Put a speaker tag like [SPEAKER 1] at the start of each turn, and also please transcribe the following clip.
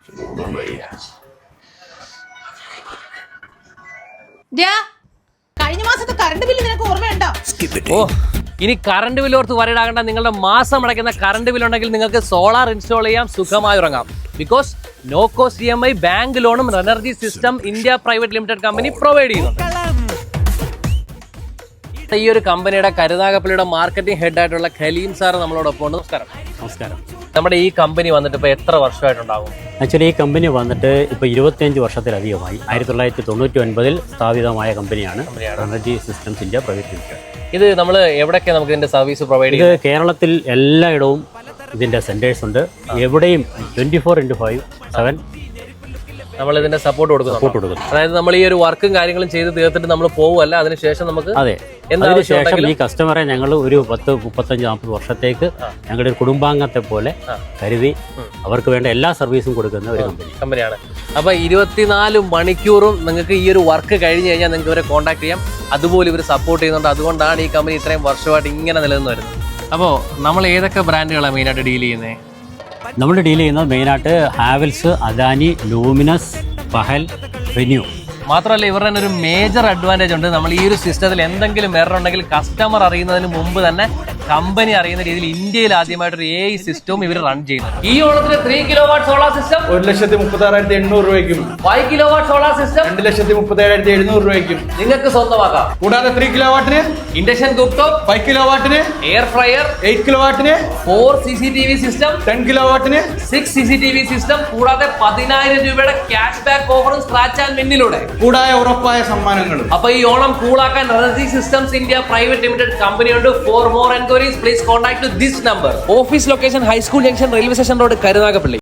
[SPEAKER 1] കഴിഞ്ഞ മാസത്തെ current bill നിനക്ക് ഓർമ്മയുണ്ടോ?
[SPEAKER 2] ഓ, ഇനി കറണ്ട് ബില്ല് ഓർത്ത് വരടാകണ്ട. നിങ്ങളുടെ മാസം അടയ്ക്കുന്ന കറണ്ട് ബില്ല് ഉണ്ടെങ്കിൽ നിങ്ങൾക്ക് സോളാർ ഇൻസ്റ്റാൾ ചെയ്യാം, സുഖമായി ഉറങ്ങാം. Because no cost EMI bank ലോണും energy system India private limited company provide ചെയ്യുന്നുണ്ട്. ഈ ഒരു കമ്പനിയുടെ കരുനാഗപ്പള്ളിയുടെ മാർക്കറ്റിംഗ് ഹെഡ് ആയിട്ടുള്ള ഖലീം സാർ നമ്മളോടൊപ്പം ഉണ്ട്. നമസ്കാരം.
[SPEAKER 3] നമസ്കാരം.
[SPEAKER 2] നമ്മുടെ ഈ കമ്പനി വന്നിട്ട് ഇപ്പോൾ എത്ര വർഷമായിട്ടുണ്ടാകും?
[SPEAKER 3] ആക്ച്വലി ഈ കമ്പനി വന്നിട്ട് ഇപ്പോൾ 25 വർഷത്തിലധികമായി. 1999 സ്ഥാപിതമായ കമ്പനിയാണ് energy systems India private limited.
[SPEAKER 2] ഇത് നമ്മൾ എവിടെയൊക്കെ നമുക്ക് ഇതിന്റെ സർവീസ് പ്രൊവൈഡ്
[SPEAKER 3] ഇത് കേരളത്തിൽ എല്ലായിടവും ഇതിന്റെ സെന്റേഴ്സ് ഉണ്ട്. എവിടെയും 24x5
[SPEAKER 2] നമ്മൾ ഇതിന്റെ സപ്പോർട്ട് കൊടുക്കുന്നു. അതായത് നമ്മൾ ഈ ഒരു വർക്കും കാര്യങ്ങളും ചെയ്ത് തീർത്തിട്ട് നമ്മൾ പോവുമല്ല, അതിനുശേഷം നമുക്ക്
[SPEAKER 3] അതിനുശേഷം ഈ കസ്റ്റമറെ ഞങ്ങൾ ഒരു 10, 35, 40 വർഷത്തേക്ക് ഞങ്ങളുടെ ഒരു കുടുംബാംഗത്തെ പോലെ കരുതി അവർക്ക് വേണ്ട എല്ലാ സർവീസും കൊടുക്കുന്ന ഒരു
[SPEAKER 2] കമ്പനിയാണ്. അപ്പൊ 24 മണിക്കൂറും നിങ്ങൾക്ക് ഈ ഒരു വർക്ക് കഴിഞ്ഞ് കഴിഞ്ഞാൽ നിങ്ങൾക്ക് ഇവരെ കോൺടാക്ട് ചെയ്യാം. അതുപോലെ ഇവർ സപ്പോർട്ട് ചെയ്യുന്നുണ്ട്. അതുകൊണ്ടാണ് ഈ കമ്പനി ഇത്രയും വർഷമായിട്ട് ഇങ്ങനെ നിലനിന്ന് വരുന്നത്. അപ്പോൾ നമ്മൾ ഏതൊക്കെ ബ്രാൻഡുകളാണ് മെയിനായിട്ട് ഡീൽ ചെയ്യുന്നത്?
[SPEAKER 3] നമ്മൾ ഡീൽ ചെയ്യുന്നത് മെയിനായിട്ട് ഹാവൽസ്, അദാനി, ലൂമിനസ്, പഹൽ, റിന്യൂ.
[SPEAKER 2] മാത്രമല്ല ഇവരുടെ തന്നെ ഒരു മേജർ അഡ്വാൻറ്റേജ് ഉണ്ട്. നമ്മൾ ഈ ഒരു സിസ്റ്റത്തിൽ എന്തെങ്കിലും എറർ ഉണ്ടെങ്കിൽ കസ്റ്റമർ അറിയുന്നതിന് മുമ്പ് തന്നെ കമ്പനി അറിയുന്ന രീതിയിൽ ഇന്ത്യയിൽ ആദ്യമായിട്ടൊരു AI സിസ്റ്റവും ഇവർ റൺ ചെയ്യുന്നത്. ഈ ഓണത്തിന് 3 kW സോളാർ സിസ്റ്റം
[SPEAKER 4] 1,36,800 രൂപയ്ക്കും
[SPEAKER 2] 5 kW സോളാർ സിസ്റ്റം
[SPEAKER 4] 2,37,700 രൂപയ്ക്കും
[SPEAKER 2] നിങ്ങൾക്ക് സ്വന്തമാക്കാം.
[SPEAKER 4] കൂടാതെ 3 കിലോവാട്ടിന്
[SPEAKER 2] ഇൻഡക്ഷൻ കുക്ക് ടോപ്പ്,
[SPEAKER 4] 5 കിലോവാട്ടിന്
[SPEAKER 2] എയർ ഫ്രയർ,
[SPEAKER 4] 8 കിലോവാട്ടിന്
[SPEAKER 2] 4 CCTV സിസ്റ്റം,
[SPEAKER 4] 10 കിലോവാട്ടിന്
[SPEAKER 2] 6 CCTV സിസ്റ്റം, കൂടാതെ 10,000 രൂപയുടെ ക്യാഷ് ബാക്ക് ഓഫറും സ്ക്രാച്ച് ആൻഡ് വിന്നിലൂടെ
[SPEAKER 4] കൂടായ ഉറപ്പായ സമ്മാനങ്ങളും.
[SPEAKER 2] അപ്പൊ ഈ ഓണം കൂളാക്കാൻ energy systems India private limited കമ്പനിയുണ്ട്. For more enquiries please contact this number. Office location high school junction, railway station road, Karunagappally.